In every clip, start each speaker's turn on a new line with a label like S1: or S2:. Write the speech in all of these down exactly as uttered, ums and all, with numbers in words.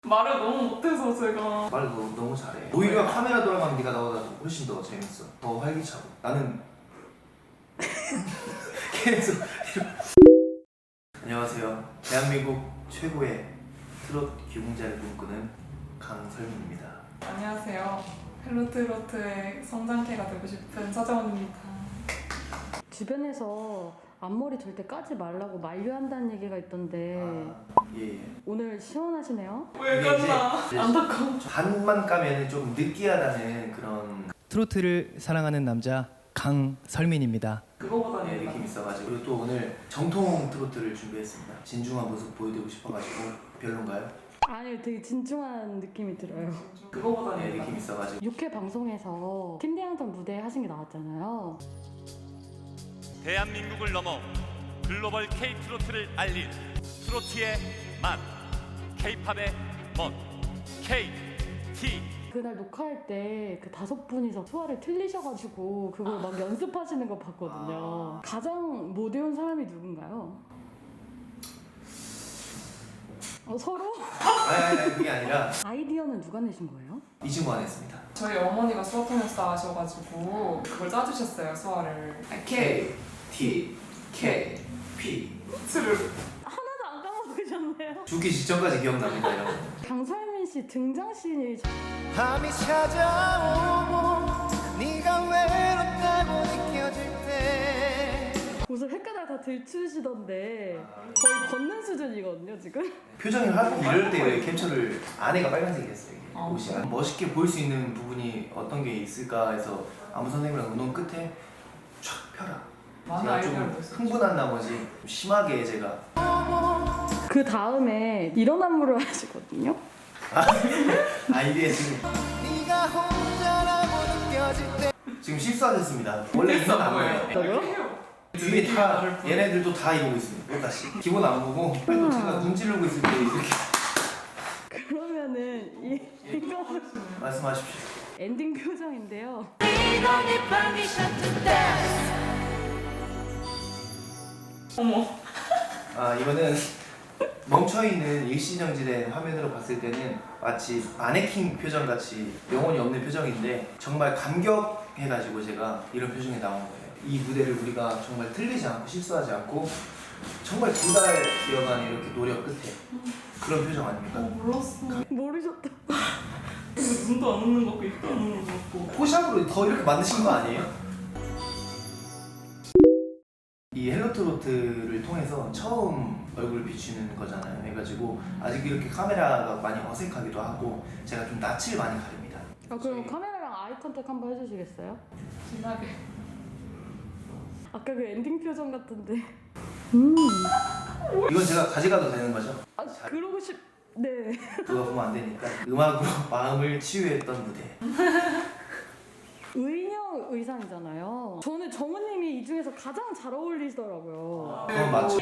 S1: 말을 너무 못해서 제가.
S2: 말을 너, 너무 잘해. 오히려 카메라 돌아가면 네가 나보다 훨씬 더 재밌어. 더 활기차고. 나는 계속 안녕하세요. 대한민국 최고의 트롯 귀공자를 꿈꾸는 강설민입니다.
S1: 안녕하세요. 헬로트로트의 성장캐가 되고 싶은 서정원입니다.
S3: 주변에서 앞머리 절대 까지 말라고 만류한다는 얘기가 있던데
S2: 아, 예, 예.
S3: 오늘 시원하시네요?
S1: 왜
S2: 이게
S1: 깠나?
S2: 이제
S1: 안타까워.
S2: 반만 까면 좀 느끼하다는 그런
S4: 트로트를 사랑하는 남자 강설민입니다.
S1: 그거보다는
S2: 네, 느낌 있어가지고 그리고 또 오늘 정통 트로트를 준비했습니다. 진중한 모습 보여드리고 싶어가지고 별론가요?
S3: 아니 되게 진중한 느낌이 들어요.
S1: 그거보다는
S2: 네, 느낌 있어가지고
S3: 육 회 방송에서 팀대항전 무대 하신 게 나왔잖아요.
S5: 대한민국을 넘어 글로벌 K-트로트를 알린 트로트의 맛, K-팝의 멋, K-티.
S3: 그날 녹화할 때 그 다섯 분이서 소화를 틀리셔가지고 그걸 막 연습하시는 거 봤거든요.
S2: 아.
S3: 가장 못 외운 사람이 누군가요? 어, 서로?
S2: 아니 아니 아니, 그게 아니라
S3: 아이디어는 누가 내신 거예요?
S2: 이 친구가 냈습니다.
S1: 저희 어머니가 수화 통역사 하셔가지고 그걸 짜주셨어요, 수화를.
S2: K, T, K, P
S1: 스르.
S3: 하나도 안 까먹으셨네요.
S2: 죽기 직전까지 기억납니다 여러분.
S3: 강설민 씨 등장씬이
S6: 밤이 찾아오고 네가 외롭다고 느껴질 때
S3: 옷을 헷갈려 다 들추시던데 거의 걷는 수준이거든요 지금.
S2: 표정이 하고 이럴 때 왜 캡처를 안에가 빨간색이었어요. 이게
S1: 어.
S2: 옷이 멋있게 보일 수 있는 부분이 어떤 게 있을까 해서 안무 선생님이랑 운동 끝에 촥 펴라.
S1: 많은
S2: 제가
S1: 아이디어를
S2: 좀
S1: 냈어요.
S2: 흥분한 나머지 좀 심하게 제가
S3: 그 다음에 이런 안무를 하시거든요.
S2: 아이디에 지금
S6: 네가 혼자라고 느껴질 때
S2: 지금 실수하셨습니다. 원래 이건 안무예요.
S3: 뭐요?
S2: 뒤에 다 얘네들도 다 이러고 있습니다. 똑같이 기본 안무고 제가 눈 찌르고 있을 때 이렇게
S3: 그러면은 이 이거
S2: 말씀하십시오.
S3: 엔딩 표정인데요.
S1: 어머.
S2: 아 이거는 멈춰있는 일시정지된 화면으로 봤을 때는 마치 마네킹 표정 같이 영혼이 없는 표정인데 정말 감격해가지고 제가 이런 표정이 나온 거예요. 이 무대를 우리가 정말 틀리지 않고 실수하지 않고 정말 두 달여간 이렇게 노력 끝에 그런 표정
S1: 어,
S2: 아닙니까?
S1: 몰랐어.
S3: 모르셨다.
S1: 눈도 안 웃는 거 같고 입도 안 웃는 거 같고.
S2: 포샵으로 더 이렇게 만드신 거 아니에요? 이 헬로트로트를 통해서 처음 얼굴을 비추는 거잖아요. 해가지고 아직 이렇게 카메라가 많이 어색하기도 하고 제가 좀 낯을 많이 가립니다.
S3: 아, 그럼 카메라랑 아이 컨택 한번 해주시겠어요?
S1: 신나게.
S3: 아까 그 엔딩 표정 같은데. 음.
S2: 이건 제가 가져가도 되는 거죠?
S3: 아 그러고 싶. 네.
S2: 그거 보면 안 되니까 음악으로 마음을 치유했던 무대.
S3: 의녀 의상이잖아요. 저는 정우님이 이 중에서 가장 잘 어울리시더라고요.
S2: 그건 맞죠?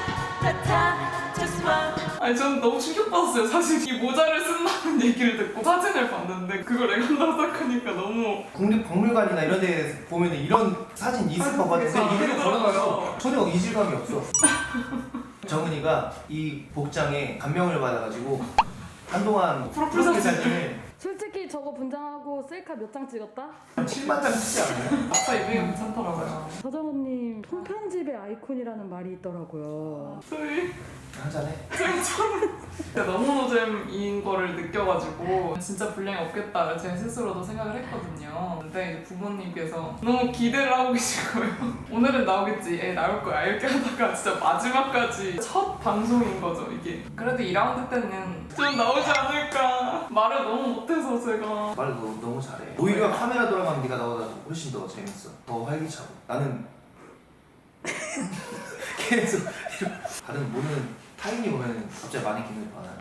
S1: 아니 저는 너무 충격받았어요. 사실 이 모자를 쓴다는 얘기를 듣고 사진을 봤는데 그걸 애간다고 생각하니까 너무.
S2: 국립박물관이나 이런 데 보면 이런 사진 있을 것 같은데
S1: 아,
S2: 이대로
S1: 그러더라고요.
S2: 걸어가서 전혀 이질감이 없어. 정은이가 이 복장에 감명을 받아가지고 한동안
S1: 프로필
S2: 프로필
S1: 사진.
S2: 사진을
S3: 솔직히 저거 분장하고 셀카 몇 장 찍었다?
S2: 한 칠만 장 쓰지 않아요?
S1: 아빠 이미가 괜찮더라고요.
S3: 서정훈님 손편집의 아이콘이라는 말이 있더라고요.
S1: 저희
S2: 한잔해.
S1: 제가 너무 노잼인 거를 느껴가지고 진짜 분량이 없겠다 제 스스로도 생각을 했거든요. 근데 이제 부모님께서 너무 기대를 하고 계신 거예요. 오늘은 나오겠지, 애 나올 거야 이렇게 하다가 진짜 마지막까지 첫 방송인 거죠 이게. 그래도 이 라운드 때는 좀 나오지 않을까. 말을 너무 못해서 제가.
S2: 말을 너, 너무 잘해. 오히려 카메라 돌아가면 네가 나보다 훨씬 더 재밌어. 더 활기차고. 나는 계속 이렇게 다른 모르는 타인이 오면 갑자기 마네킹을 반하는.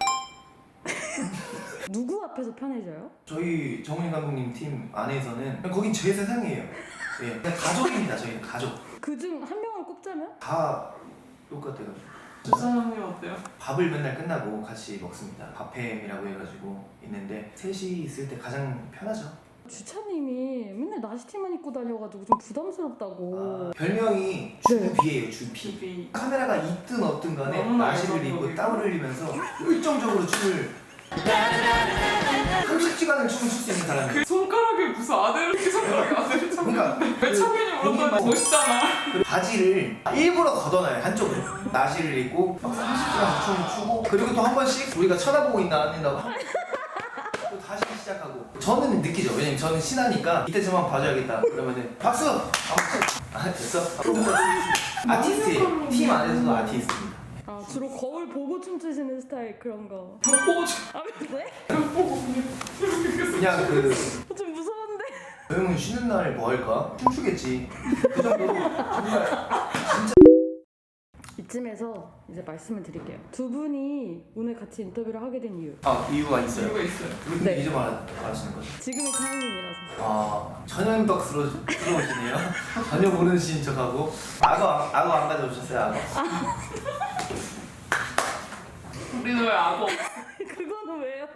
S3: 누구 앞에서 편해져요?
S2: 저희 정훈이 감독님 팀 안에서는 그냥 거긴 제 세상이에요. 예, 그냥 가족입니다. 저희는 가족.
S3: 그중 한 명을 꼽자면?
S2: 다 똑같아요.
S1: 주사장님 어때요?
S2: 밥을 맨날 끝나고 같이 먹습니다. 밥햄이라고 해가지고 있는데 셋이 있을 때 가장 편하죠.
S3: 주차님이 맨날 나시티만 입고 다녀가지고 좀 부담스럽다고.
S2: 아, 별명이
S3: 네.
S2: 주비예요. 주비.
S1: 주비.
S2: 카메라가 있든 없든 간에
S1: 너무나
S2: 나시를
S1: 알죠,
S2: 입고
S1: 거기.
S2: 땀을 흘리면서 열정적으로 춤을 삼십 시간을 춤을 출 수 있는 사람이.
S1: 그 손가락에 무슨 아들을 이렇게 손가락에 아들을 참.
S2: 그러니까
S1: 왜 창균이 물었다니 멋있잖아.
S2: 그 바지를 일부러 걷어놔요 한쪽으로. 나시를 입고 막 삼십 시간 춤을 추고 그리고 또 한 번씩 우리가 쳐다보고 있나 안 된다고 또 다시 시작하고. 저는 느끼죠. 왜냐면 저는 신하니까 이때 저만 봐줘야겠다. 그러면은 박수. 아 됐어. 아티스트예요. 팀 안에서도 아티스트입니다.
S3: 아 주로 거울 보고 춤추시는 스타일 그런 거.
S1: 벽 보고 좀.
S3: 아 왜?
S1: 벽 보고 그냥 이렇게 계속.
S2: 그냥 그
S3: 좀 무서운데.
S2: 저 형은 쉬는 날 뭐 할까? 춤추겠지. 그 정도로 정말 진짜.
S3: 이쯤에서 이제 말씀을 드릴게요. 두 분이 오늘 같이 인터뷰를 하게 된 이유.
S2: 아 이유가 있어요.
S1: 이유가 있어요.
S2: 근데
S3: 네.
S2: 이제 말 말하시는 거죠?
S3: 지금이 타이밍이라서.
S2: 아 전현덕스러우시네요. 전혀 모르시는 척하고. 악어 악어 안 가져오셨어요 악어?
S1: 우리는 왜 악어?
S3: 그거는 왜요?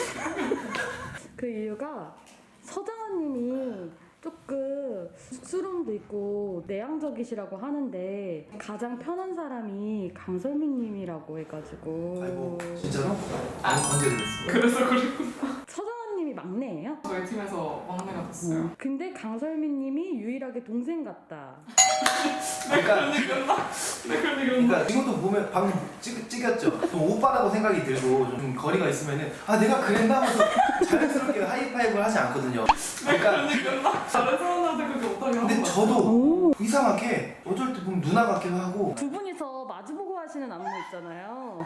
S3: 그 이유가 서장훈님이 조금 수rum도 있고 내향적이시라고 하는데 가장 편한 사람이 강설민님이라고 해가지고.
S2: 아이고 진짜로? 아니 언제 그랬어?
S1: 그래서 그랬구나.
S3: 서장훈님이 막내예요?
S1: 저희 팀에서 막내가 됐어요.
S3: 근데 강설민님이 유일하게 동생 같다.
S1: 내 그런 얘기 했나? 내 그런 얘기 했나?
S2: 그러니까 지금도 보면 방금 찍, 찍었죠? 좀 오빠라고 생각이 들고 좀 거리가 있으면은 아 내가 그랬나 하면서 자연스럽게 하이파이브를 하지 않거든요.
S1: 내
S2: 그러니까
S1: 그런 얘기 했나? 다른 사람한테 그렇게 못하게 하는
S2: 근데
S1: 거
S2: 저도
S3: 오.
S2: 이상하게 어쩔 때 보면 누나 같기도 하고.
S3: 두 분이서 마주보고 하시는 안무 있잖아요.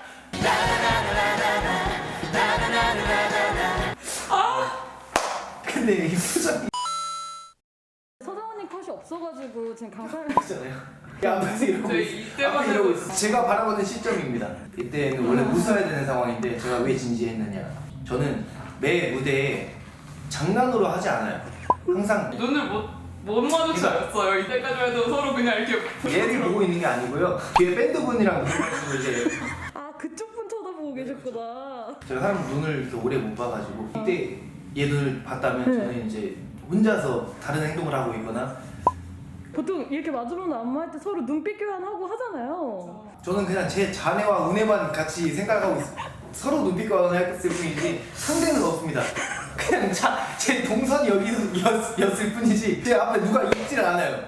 S2: 근데 이 표정이
S3: 서장훈님 컷이 없어가지고 지금 강설
S2: 있잖아요. 야 앞에서 이러고
S1: 저희
S2: 있어.
S1: 이때만
S2: 앞에 이러고
S1: 해도
S2: 있어. 제가 바라보는 시점입니다. 이때는 원래 웃어야 되는 상황인데 제가 왜 진지했느냐. 저는 매 무대에 장난으로 하지 않아요. 항상
S1: 눈을 못, 못 마주쳤어요. 이때까지 해도 서로 그냥 이렇게
S2: 얘를 보고 있는 게 아니고요. 뒤에 밴드분이랑 눈을 이제
S3: 아 그쪽 분 쳐다보고 계셨구나.
S2: 제가 사람 눈을 이렇게 오래 못 봐가지고 이때 얘 눈을 봤다면
S3: 네.
S2: 저는 이제 혼자서 다른 행동을 하고 있거나.
S3: 보통 이렇게 마주보는 안무할 때 서로 눈빛 교환하고 하잖아요.
S2: 저는 그냥 제 자네와 운에만 같이 생각하고 있, 서로 눈빛 교환했을 뿐이지 상대는 없습니다. 그냥 자, 제 동선이 여기였을 뿐이지 제 앞에 누가 있지를 않아요.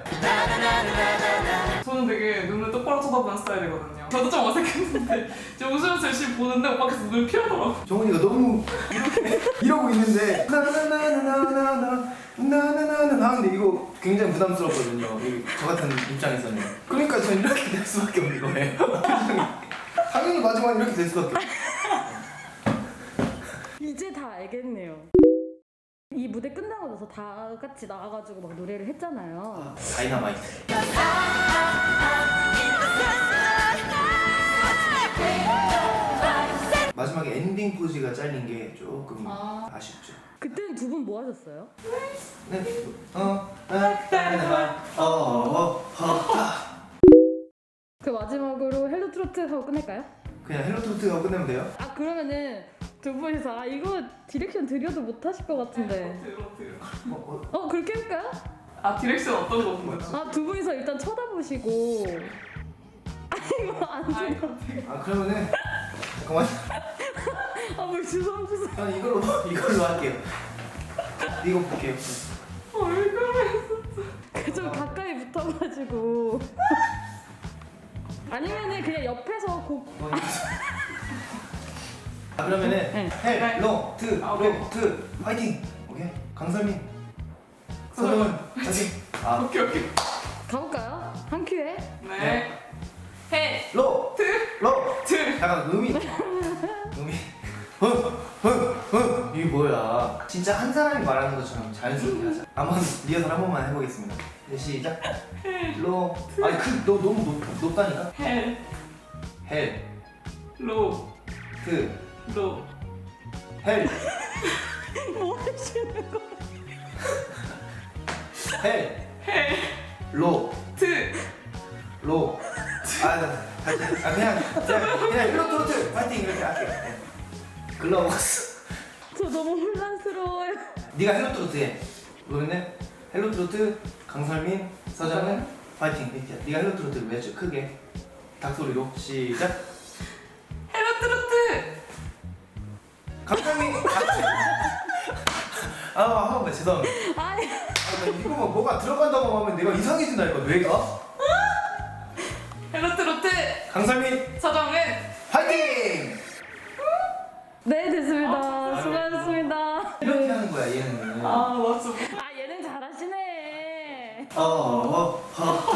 S1: 저는 되게 눈을 똑바로 쳐다보는 스타일이거든요. 저도 좀 어색했는데 제가 웃으면서 열심히 보는데 오빠께서 눈을 피하더라고.
S2: 정훈이가 너무 이렇게 이러고 있는데 나나나나나나나 나나나나 하는데 이거 굉장히 부담스럽거든요. 이- 저 같은 입장에서는. 그러니까 저는 이렇게 될 수밖에 없는 거예요. 당연히 마지막에 이렇게 될 수밖에 없어요.
S3: 이제 다 알겠네요. 이 무대 끝나고 나서 다 같이 나와가지고 막 노래를 했잖아요.
S2: 다이너마이트. 마지막에 엔딩 포즈가 잘린 게 조금
S1: 아.
S2: 아쉽죠.
S3: 그때는 두 분 뭐 하셨어요?
S2: 네. 어, 나, 따라나, 어, 어, 어, 아.
S3: 그 마지막으로 헬로 트로트 하고 끝낼까요?
S2: 그냥 헬로 트로트가 끝내면 돼요?
S3: 아 그러면은 두 분이서 아 이거 디렉션 드려도 못 하실 것 같은데.
S1: 로트,
S2: 어, 어,
S3: 어 그렇게 할까요?
S1: 아 디렉션 어떤 거 본 거죠?
S3: 아 두 분이서 일단 쳐다보시고. 아 이거 안
S1: 아이
S3: 돼요.
S2: 아 그러면은 잠깐만.
S3: 아뭐 주섬주섬.
S2: 저는 이걸로 이걸로 할게요. 이거 볼게요.
S1: 왜 그래?
S3: 좀 가까이 붙어가지고. 아니면은 그냥 옆에서 곡.
S2: 뭐 이거. 아 그러면은
S3: 네.
S2: 헬로 트
S1: 아, 오케이.
S2: 로트 화이팅. 오케이. 강설민. 서정은 화이팅. 아
S1: 오케이 오케이.
S3: 가볼까요? 한 큐에.
S1: 네. 해.
S2: 로
S1: 트.
S2: 로.
S1: 트.
S2: 잠깐 음이 음이 허허허 이게 뭐야? 진짜 한 사람이 말하는 것처럼 자연스럽게 하자. 한번 리허설 한 번만 해보겠습니다. 네, 시작. 로 아니 그너 너무 높, 높다니까.
S1: 해.
S2: 헬
S1: 로.
S2: 트
S1: 로.
S2: 헬
S3: 뭐 하시는 거?
S2: 헬
S1: 해.
S2: 로
S1: 트.
S2: 로. 아, 나, 다시, 아 그냥 그냥 그냥 일로 트로트 파이팅 이렇게 할게. 네. 글러먹었어.
S3: 저 너무 혼란스러워요.
S2: 네가 헬로 트로트 해. 그러면은 헬로 트로트 강설민 서정은 파이팅 이렇게. 네가 헬로 트로트 외쳐 크게 닭소리로 시작.
S1: 헬로 트로트.
S2: 강상민 아 한번 죄송합니다.
S3: 아니
S2: 아, 나 이거 뭐 뭐가 들어간다고 하면 내가 이상해진다니까 뇌가.
S1: 헬로트로트
S2: 강상민
S1: 서정은
S2: 화이팅!
S3: 네 됐습니다.
S1: 아,
S3: 수고하셨습니다.
S2: 이렇게 하는 거야 얘는.
S1: 아 맞아.
S3: 아 얘는 잘하시네.
S2: 어, 어, 어.